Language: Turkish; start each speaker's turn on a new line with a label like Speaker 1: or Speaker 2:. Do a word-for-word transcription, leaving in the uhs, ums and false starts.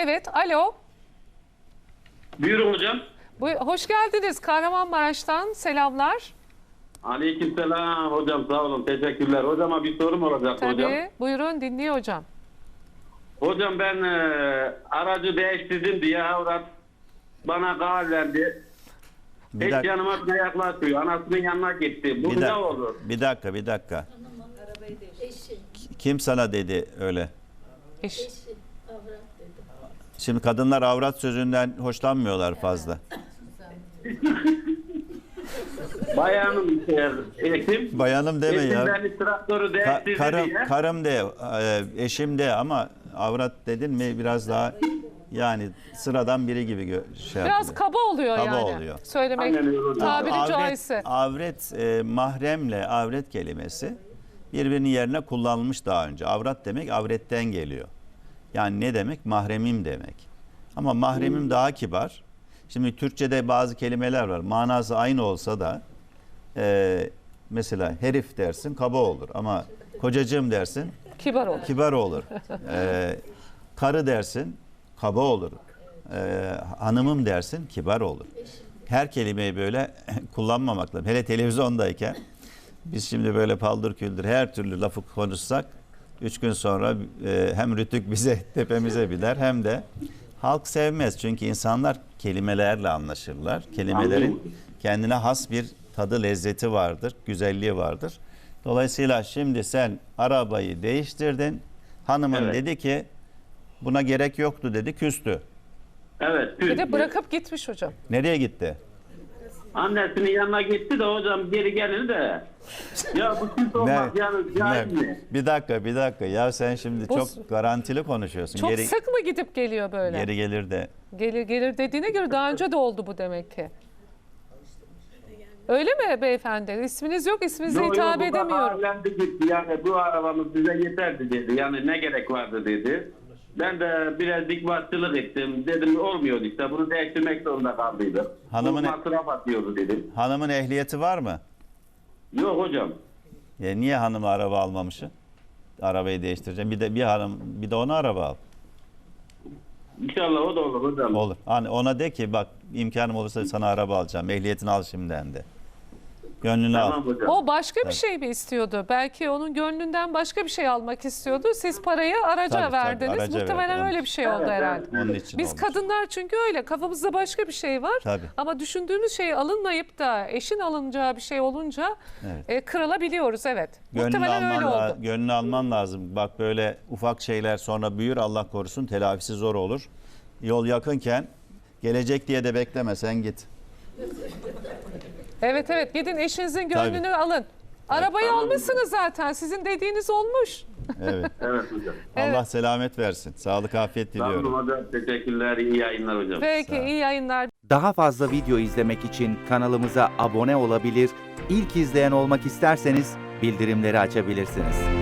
Speaker 1: Evet, alo.
Speaker 2: Buyurun hocam.
Speaker 1: Bu, hoş geldiniz Kahramanmaraş'tan. Selamlar.
Speaker 2: Aleykümselam hocam, sağ olun, teşekkürler. Hocama bir sorum olacak
Speaker 1: Tabii,
Speaker 2: hocam.
Speaker 1: buyurun dinliyor hocam.
Speaker 2: Hocam ben e, aracı değiştirdim diye avrat bana karar verdi.
Speaker 3: Bir
Speaker 2: Hiç
Speaker 3: dak-
Speaker 2: yanıma yaklaşıyor. Anasının yanına gitti. Bu
Speaker 3: Bir,
Speaker 2: ne
Speaker 3: dak-
Speaker 2: olur?
Speaker 3: bir dakika, bir dakika. Kim sana dedi öyle?
Speaker 1: Eş.
Speaker 3: Şimdi kadınlar avrat sözünden hoşlanmıyorlar fazla.
Speaker 2: Bayanım işte, eşim.
Speaker 3: Bayanım deme
Speaker 2: Eşim
Speaker 3: ya.
Speaker 2: beni traktörü
Speaker 3: Ka-
Speaker 2: değiştirdi
Speaker 3: karım,
Speaker 2: diye.
Speaker 3: karım de, e, eşim de ama avrat dedin mi biraz daha yani sıradan biri gibi gö- şey
Speaker 1: Biraz
Speaker 3: yapılıyor.
Speaker 1: kaba oluyor
Speaker 3: Kaba
Speaker 1: yani.
Speaker 3: oluyor.
Speaker 1: Söylemek
Speaker 2: Aynen öyle hocam.
Speaker 1: tabiri
Speaker 3: Avret,
Speaker 1: caizse.
Speaker 3: avret e, mahremle avret kelimesi birbirinin yerine kullanılmış daha önce. Avrat demek avretten geliyor. Yani ne demek? Mahremim demek. Ama mahremim daha kibar. Şimdi Türkçe'de bazı kelimeler var. Manası aynı olsa da e, mesela herif dersin kaba olur ama kocacığım dersin
Speaker 1: Kibar olur.
Speaker 3: kibar olur. E, karı dersin kaba olur. E, hanımım dersin kibar olur. Her kelimeyi böyle kullanmamak lazım. Hele televizyondayken biz şimdi böyle paldır küldür her türlü lafı konuşsak üç gün sonra e, hem rütük bize tepemize biner hem de halk sevmez. Çünkü insanlar kelimelerle anlaşırlar. Kelimelerin kendine has bir tadı, lezzeti vardır, güzelliği vardır. Dolayısıyla şimdi sen arabayı değiştirdin. Hanımın
Speaker 2: Evet.
Speaker 3: dedi ki buna gerek yoktu dedi, küstü.
Speaker 2: Evet.
Speaker 1: Bir de
Speaker 2: Türk.
Speaker 1: bırakıp gitmiş hocam.
Speaker 3: Nereye gitti?
Speaker 2: Annesinin yanına gitti de hocam geri gelir de. Ya bu süt olmaz yani caiz
Speaker 3: Ne?
Speaker 2: mi?
Speaker 3: Bir dakika, bir dakika. Ya sen şimdi
Speaker 1: Bu-
Speaker 3: çok garantili konuşuyorsun.
Speaker 1: Çok
Speaker 3: geri,
Speaker 1: sık mı gidip geliyor böyle?
Speaker 3: geri gelir de.
Speaker 1: Gelir gelir dediğine göre daha önce de oldu bu demek ki. Öyle mi beyefendi? İsminiz yok, isminize
Speaker 2: Yo, yo,
Speaker 1: hitap
Speaker 2: bu
Speaker 1: edemiyorum.
Speaker 2: bağlandı gitti yani bu arabamız bize yeterdi dedi. Yani ne gerek vardı dedi. Ben de biraz dikbatçılık ettim. Dedim olmuyor işte bunu değiştirmek zorunda kaldıydık.
Speaker 3: Hanımın-
Speaker 2: Bu masraf atıyordu dedim.
Speaker 3: Hanımın ehliyeti var mı?
Speaker 2: Yok hocam.
Speaker 3: Ya niye hanımı araba almamışsın? Arabayı değiştireceğim. Bir de bir hanım, bir de ona araba al.
Speaker 2: İnşallah o da olur hocam.
Speaker 3: Olur. Hani ona de ki bak imkanım olursa sana araba alacağım. Ehliyetini al şimdiden de. Gönlünü
Speaker 2: Tamam
Speaker 3: al.
Speaker 2: hocam.
Speaker 1: O başka bir
Speaker 3: Tabii.
Speaker 1: şey mi istiyordu? Belki onun gönlünden başka bir şey almak istiyordu. Siz parayı araca
Speaker 3: Tabii, tabii,
Speaker 1: verdiniz.
Speaker 3: araca
Speaker 1: Muhtemelen
Speaker 3: verdim.
Speaker 1: öyle bir şey oldu
Speaker 2: Evet,
Speaker 1: herhalde.
Speaker 2: evet.
Speaker 3: Onun için
Speaker 1: Biz
Speaker 3: olmuş.
Speaker 1: kadınlar çünkü öyle. Kafamızda başka bir şey var.
Speaker 3: Tabii.
Speaker 1: Ama düşündüğümüz şey alınmayıp da eşin alınacağı bir şey olunca
Speaker 3: Evet.
Speaker 1: e, kırılabiliyoruz. Evet.
Speaker 3: Gönlünü
Speaker 1: Muhtemelen
Speaker 3: alman,
Speaker 1: öyle
Speaker 3: la-
Speaker 1: oldu.
Speaker 3: gönlünü alman lazım. Bak böyle ufak şeyler sonra büyür Allah korusun telafisi zor olur. Yol yakınken gelecek diye de bekleme sen git.
Speaker 1: Evet evet gidin eşinizin gönlünü alın. Arabayı
Speaker 2: Tamam.
Speaker 1: almışsınız zaten. Sizin dediğiniz olmuş.
Speaker 3: Evet.
Speaker 2: Evet hocam.
Speaker 1: Evet.
Speaker 3: Allah selamet versin. Sağlık afiyet
Speaker 2: Tamam
Speaker 3: diliyorum.
Speaker 2: hocam. Teşekkürler. İyi yayınlar hocam.
Speaker 1: Peki
Speaker 3: Sağ ol.
Speaker 1: iyi yayınlar.
Speaker 4: Daha fazla video izlemek için kanalımıza abone olabilir, ilk izleyen olmak isterseniz bildirimleri açabilirsiniz.